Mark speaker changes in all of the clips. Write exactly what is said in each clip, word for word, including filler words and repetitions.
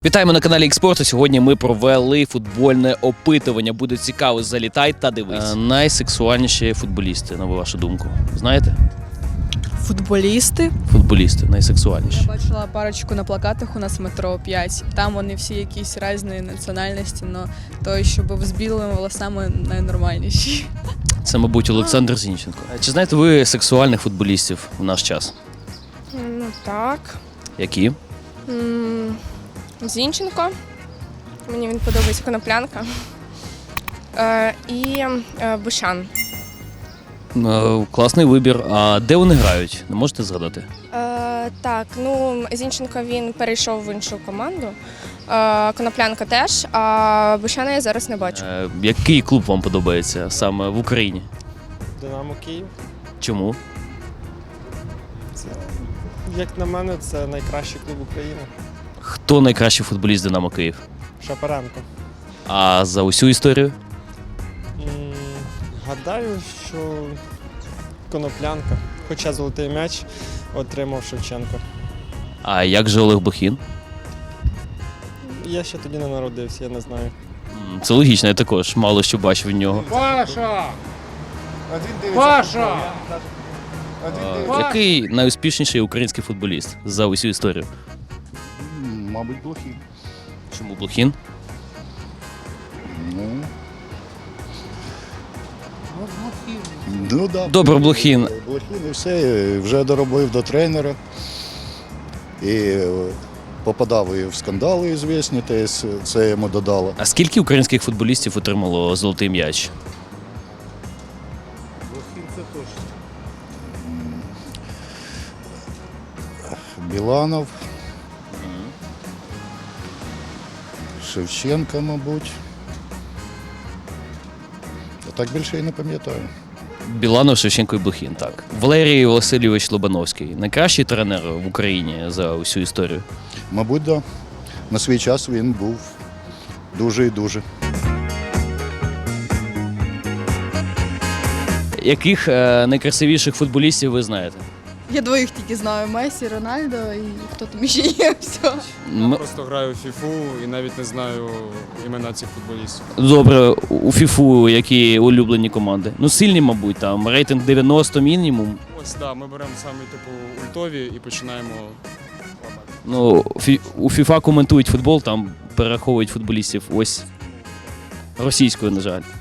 Speaker 1: Вітаємо на каналі Ікспорту. Сьогодні ми провели футбольне опитування. Буде цікаво, залітай та дивись. Е, найсексуальніші футболісти, на вашу думку. Знаєте?
Speaker 2: Футболісти.
Speaker 1: Футболісти найсексуальніші.
Speaker 2: Я бачила парочку на плакатах у нас в метро п'ять. Там вони всі якісь різні національності, але той, що був з білими волосами, найнормальніший.
Speaker 1: Це, мабуть, Олександр Зінченко. Чи знаєте ви сексуальних футболістів в наш час?
Speaker 3: Ну так.
Speaker 1: Які?
Speaker 3: М, Зінченко. Мені він подобається, Коноплянка. Е, і е, Бушан.
Speaker 1: Е, класний вибір. А де вони грають? Не можете згадати?
Speaker 3: Е, так, ну Зінченко він перейшов в іншу команду. Е, Коноплянка теж, а Бушана я зараз не бачу.
Speaker 1: Е, який клуб вам подобається саме в Україні?
Speaker 4: Динамо Київ.
Speaker 1: Чому?
Speaker 4: Це, як на мене, це найкращий клуб України.
Speaker 1: Хто найкращий футболіст Динамо Київ?
Speaker 4: Шапаренко.
Speaker 1: А за усю історію?
Speaker 4: М, Гадаю, що Коноплянка. Хоча золотий м'яч отримав Шевченко.
Speaker 1: А як же Олег Блохін?
Speaker 4: Я ще тоді не народився, я не знаю.
Speaker 1: М, Це логічно, я також мало що бачив від нього.
Speaker 5: Паша! Паша!
Speaker 1: А, який найуспішніший український футболіст за усю історію?
Speaker 5: Мабуть, Блохін.
Speaker 1: Чому Блохін?
Speaker 5: Ну. Ну, да.
Speaker 1: Добре, Блохін.
Speaker 5: Блохін і все, вже доробив до тренера. І е, попадав і в скандали звісні, теж це йому додало.
Speaker 1: А скільки українських футболістів отримало золотий м'яч?
Speaker 5: Блохін це точно. Біланов. Шевченка, мабуть. А так більше і не пам'ятаю.
Speaker 1: Біланов, Шевченко і Блохін, так. Валерій Васильович Лобановський. Найкращий тренер в Україні за усю історію?
Speaker 5: Мабуть, так. Да. На свій час він був дуже і дуже.
Speaker 1: Яких е, найкрасивіших футболістів ви знаєте?
Speaker 2: Я двоїх тільки знаю: Месі, Рональдо і хто там ще є. Все.
Speaker 1: М-
Speaker 6: Просто граю в фіфу і навіть не знаю імена цих футболістів.
Speaker 1: Добре, у ФІФУ які улюблені команди? Ну, сильні, мабуть, там рейтинг дев'яносто мінімум.
Speaker 6: Ось так, да, ми беремо саме типу ультові і починаємо лапати.
Speaker 1: Ну, фі- у ФІФА коментують футбол, там перераховують футболістів ось російською, на жаль.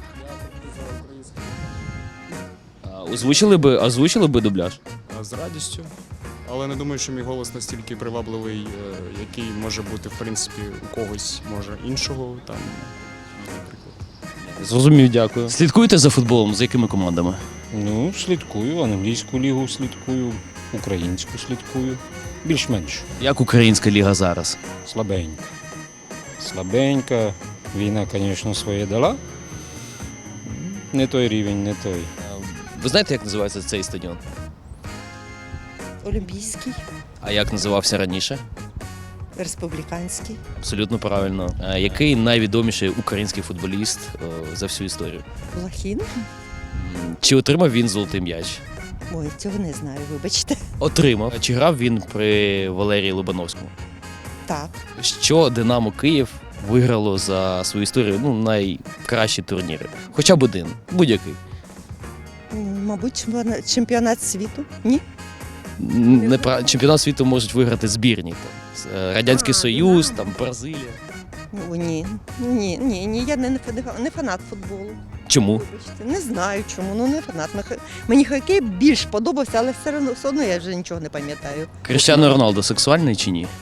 Speaker 1: А озвучили би, озвучили би дубляж?
Speaker 6: А з радістю. Але не думаю, що мій голос настільки привабливий, е, який може бути, в принципі, у когось, може, іншого там, наприклад.
Speaker 1: Зрозумів, дякую. Слідкуєте за футболом? За якими командами?
Speaker 7: Ну, слідкую, англійську лігу слідкую, українську слідкую. Більш-менш
Speaker 1: Як українська ліга зараз?
Speaker 7: слабенька. Слабенька. Війна, звісно, своє дала. Не той рівень, не той.
Speaker 1: Ви знаєте, як називається цей стадіон?
Speaker 8: Олімпійський,
Speaker 1: А як називався раніше?
Speaker 8: республіканський.
Speaker 1: Абсолютно правильно. А який найвідоміший український футболіст е, за всю історію?
Speaker 8: Блохін?
Speaker 1: М, Чи отримав він золотий м'яч?
Speaker 8: Ой, цього не знаю, вибачте.
Speaker 1: Отримав. Чи грав він при Валерії Лобановському?
Speaker 8: Так.
Speaker 1: Що Динамо Київ виграло за свою історію? Ну, найкращі турніри. Хоча б один, будь-який.
Speaker 8: М, Мабуть, чемпіонат- чемпіонат світу? Ні?
Speaker 1: Н- Не пра- чемпіонат світу можуть виграти збірні. Там, з- е, Радянський
Speaker 8: А,
Speaker 1: Союз,
Speaker 8: Динамо.
Speaker 1: там Бразилія.
Speaker 8: Ну, ні. Ні, ні, ні, я не, не, фа- не фанат футболу.
Speaker 1: Чому?
Speaker 8: Вибачте, не знаю чому, ну не фанат. Мені хо- Мені хокей більш подобався, але все одно, все одно я вже нічого не пам'ятаю.
Speaker 1: Кріштіану Роналдо сексуальний чи ні?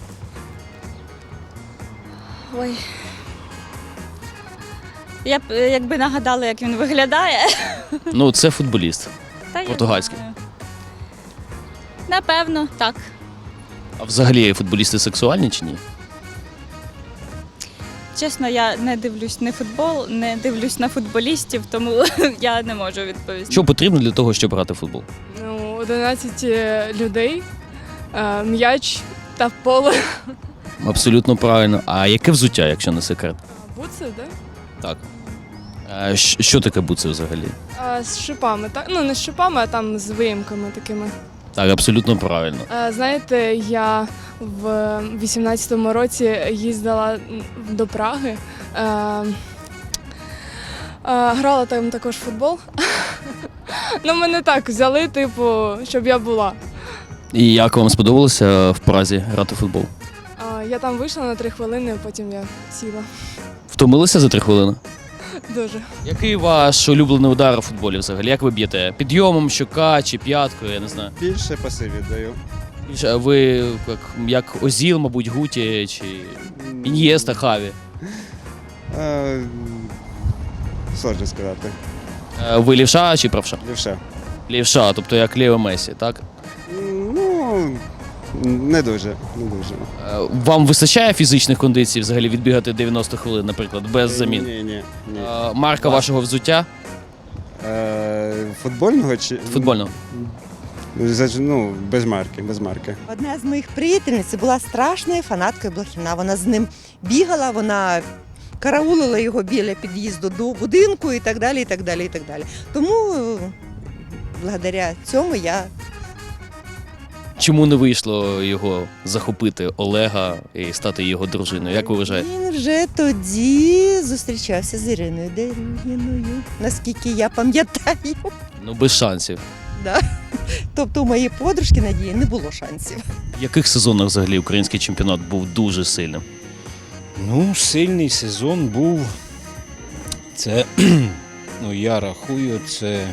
Speaker 9: Ой. Я б е, якби нагадала, як він виглядає.
Speaker 1: Ну, це футболіст.
Speaker 9: Та я
Speaker 1: Португальський.
Speaker 9: знаю. Напевно, так.
Speaker 1: А взагалі футболісти сексуальні чи ні?
Speaker 9: Чесно, я не дивлюсь на футбол, не дивлюсь на футболістів, тому я не можу відповісти.
Speaker 1: Що потрібно для того, щоб грати в футбол?
Speaker 2: Ну, одинадцять людей, е, м'яч та поле.
Speaker 1: Абсолютно правильно. А яке взуття, якщо не секрет?
Speaker 2: Буци, так?
Speaker 1: Так. А щ- що таке буци взагалі?
Speaker 2: З шипами, так? Ну, не з шипами, а там з виїмками такими.
Speaker 1: Так, абсолютно правильно.
Speaker 10: Е, Знаєте, я в вісімнадцятому році їздила до Праги. Е, е, Грала там також в футбол. Ну, мене так взяли, типу, щоб я була.
Speaker 1: І як вам сподобалося в Празі грати в футбол?
Speaker 10: А, Я там вийшла на три хвилини, потім я сіла.
Speaker 1: Втомилися за три хвилини?
Speaker 10: Дуже.
Speaker 1: Який ваш улюблений удар у футболі взагалі? Як ви б'єте? Підйомом, щока чи п'яткою, я не знаю.
Speaker 6: Більше пасиві даю.
Speaker 1: Більше, а ви як, як Озіл, мабуть, Гуті чи Ін'єста, Хаві?
Speaker 6: Е, Сложно сказати.
Speaker 1: Е, Ви лівша чи правша?
Speaker 6: Лівше.
Speaker 1: Лівша, тобто як Ліо Месі, так?
Speaker 6: Ну, не дуже, не дуже.
Speaker 1: Е, Вам вистачає фізичних кондицій взагалі відбігати дев'яносто хвилин, наприклад, без замін?
Speaker 6: Ні, ні, ні.
Speaker 1: Е, Марка вашого взуття?
Speaker 6: Е, Футбольного чи?
Speaker 1: Футбольного.
Speaker 6: Ну, без марки, без марки.
Speaker 8: Одна з моїх приятельниць була страшною фанаткою Блохіна. Вона з ним бігала, вона караулила його біля під'їзду до будинку і так далі, і так далі, і так далі. Тому е, благодаря цьому я
Speaker 1: Чому не вийшло його захопити Олега і стати його дружиною? Як ви вважаєте?
Speaker 8: Він вже тоді зустрічався з Іриною Дерюгіною, наскільки я пам'ятаю.
Speaker 1: Ну, без шансів.
Speaker 8: Да. Тобто у моєї подружки Надії не було шансів.
Speaker 1: В яких сезонах взагалі український чемпіонат був дуже сильним?
Speaker 7: Ну, сильний сезон був. Це, ну я рахую, це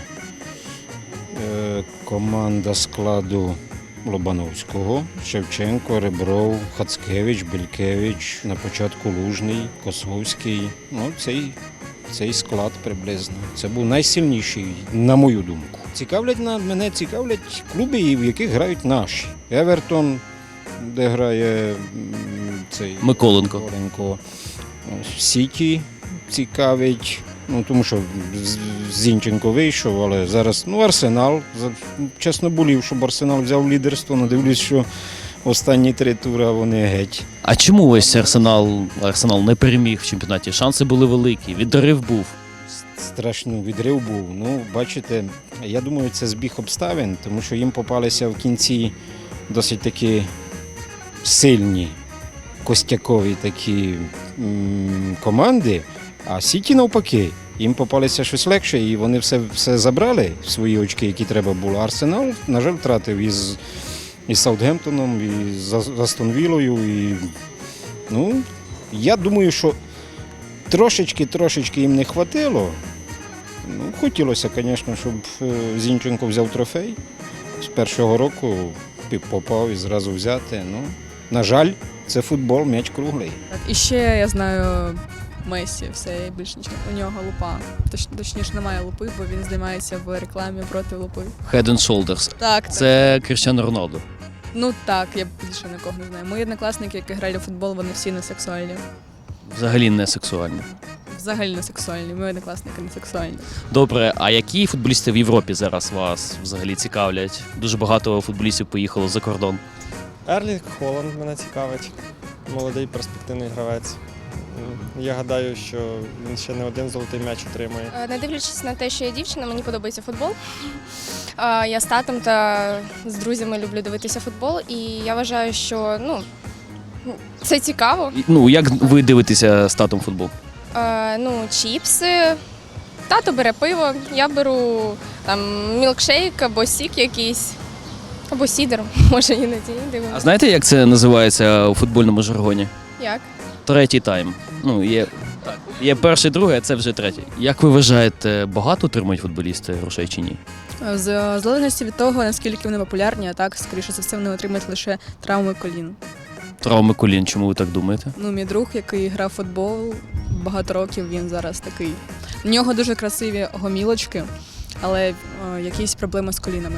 Speaker 7: е, команда складу Лобановського, Шевченко, Ребров, Хацкевич, Белькевич, на початку Лужний, Косовський. Ну, цей, цей склад приблизно. Це був найсильніший, на мою думку. Цікавлять на мене, цікавлять клуби, в яких грають наші. Евертон, де грає м, цей
Speaker 1: Миколенко.
Speaker 7: Миколенко. Сіті цікавить. Ну, тому що з- Зінченко вийшов, але зараз, ну, Арсенал. За- Чесно болів, щоб Арсенал взяв лідерство, але дивлюсь, що останні три тури вони геть.
Speaker 1: А чому ось Арсенал, Арсенал не переміг в чемпіонаті? Шанси були великі, відрив був.
Speaker 7: Страшний відрив був. Ну, бачите, я думаю, це збіг обставин, тому що їм попалися в кінці досить такі сильні, костякові такі м, команди, а Сіті навпаки. Їм попалися щось легше, і вони все, все забрали, свої очки, які треба було. Арсенал, на жаль, втратив із, із Саутгемптоном, і з Астон Віллою. І, ну, я думаю, що трошечки-трошечки їм не хватило. Ну, хотілося, звісно, щоб е, Зінченко взяв трофей. З першого року попав і зразу взяти. Ну, на жаль, це футбол, м'яч круглий.
Speaker 2: Так, і ще я знаю Месі, все, я більше нічого. У нього лупа. Точ, точніше, немає лупи, бо він знімається в рекламі проти лупи.
Speaker 1: Head and Shoulders.
Speaker 2: Так, так.
Speaker 1: Це Кріштіано Роналдо.
Speaker 2: Ну так, я більше нікого не знаю. Мої однокласники, які грали в футбол, вони всі не сексуальні.
Speaker 1: Взагалі не сексуальний.
Speaker 2: Взагалі не сексуальні. Мої однокласники не сексуальні.
Speaker 1: Добре, а які футболісти в Європі зараз вас взагалі цікавлять? Дуже багато футболістів поїхало за кордон.
Speaker 4: Ерлінг Холланд мене цікавить. Молодий перспективний гравець. М, Я гадаю, що він ще не один золотий м'яч отримає.
Speaker 3: Е, Не дивлячись на те, що я дівчина, мені подобається футбол. Е, Я з татом та з друзями люблю дивитися футбол, і я вважаю, що ну, це цікаво.
Speaker 1: І, Ну, як ви дивитеся з татом футбол?
Speaker 3: Е, Ну, чіпси, тато бере пиво, я беру там мілкшейк або сік якийсь, або сідер, може іноді
Speaker 1: А
Speaker 3: дивимося.
Speaker 1: знаєте, як це називається у футбольному жаргоні?
Speaker 3: Як?
Speaker 1: Третій тайм. Ну, є, так, є перший, другий, а це вже третій. Як ви вважаєте, багато отримують футболісти грошей чи ні?
Speaker 2: В залежності від того, наскільки вони популярні, а так, скоріше за все, вони отримають лише травми колін.
Speaker 1: Травми колін, чому ви так думаєте?
Speaker 2: Ну, мій друг, який грав в футбол багато років, він зараз такий. У нього дуже красиві гомілочки, але е, якісь проблеми з колінами.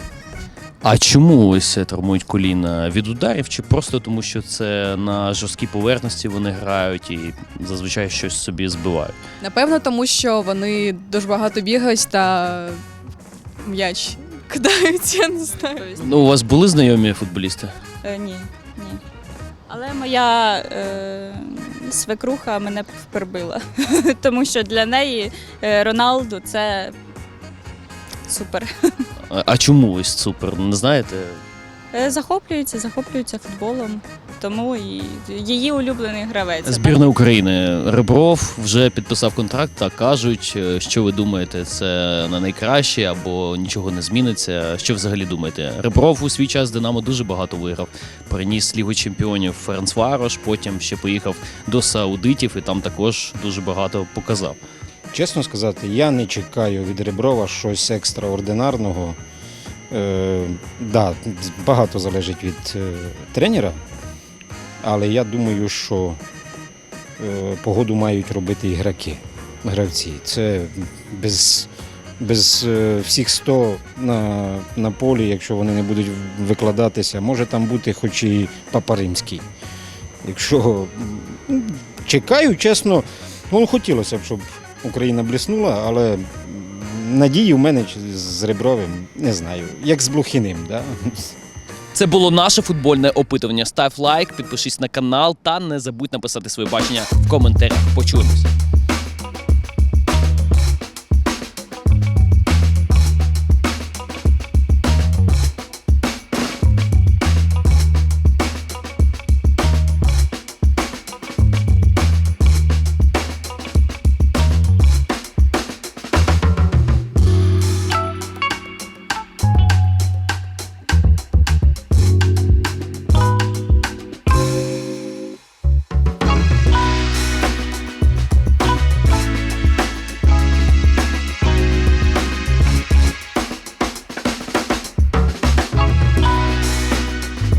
Speaker 1: А чому ось травмують коліна? Від ударів чи просто тому, що це на жорсткій поверхності вони грають і зазвичай щось собі збивають?
Speaker 2: Напевно, тому що вони дуже багато бігають та м'яч кидають, я не знаю.
Speaker 1: Ну, у вас були знайомі футболісти?
Speaker 9: Е, ні, ні. Але моя е, свекруха мене впербила, тому що для неї е, Роналду це супер.
Speaker 1: А, а чому ось супер? Не знаєте?
Speaker 9: Е, Захоплюється, захоплюється футболом, тому і її улюблений гравець.
Speaker 1: Збірна України Ребров вже підписав контракт та кажуть, е, що ви думаєте, це на найкраще або нічого не зміниться. Що взагалі думаєте? Ребров у свій час Динамо дуже багато виграв. Приніс Лігу чемпіонів Ференцварош, потім ще поїхав до саудитів і там також дуже багато показав.
Speaker 7: Чесно сказати, я не чекаю від Реброва щось екстраординарного. Е, да, багато залежить від е, тренера, але я думаю, що е, погоду мають робити ігроки, гравці. Це без, без е, всіх сто на, на полі, якщо вони не будуть викладатися, може там бути хоч і Папа Римський. Якщо м, чекаю, чесно, ну, хотілося б, щоб Україна бліснула, але надії в мене з Ребровим, не знаю, як з Блохіним. Да?
Speaker 1: Це було наше футбольне опитування. Став лайк, підпишись на канал та не забудь написати своє бачення в коментарях. Почуємося.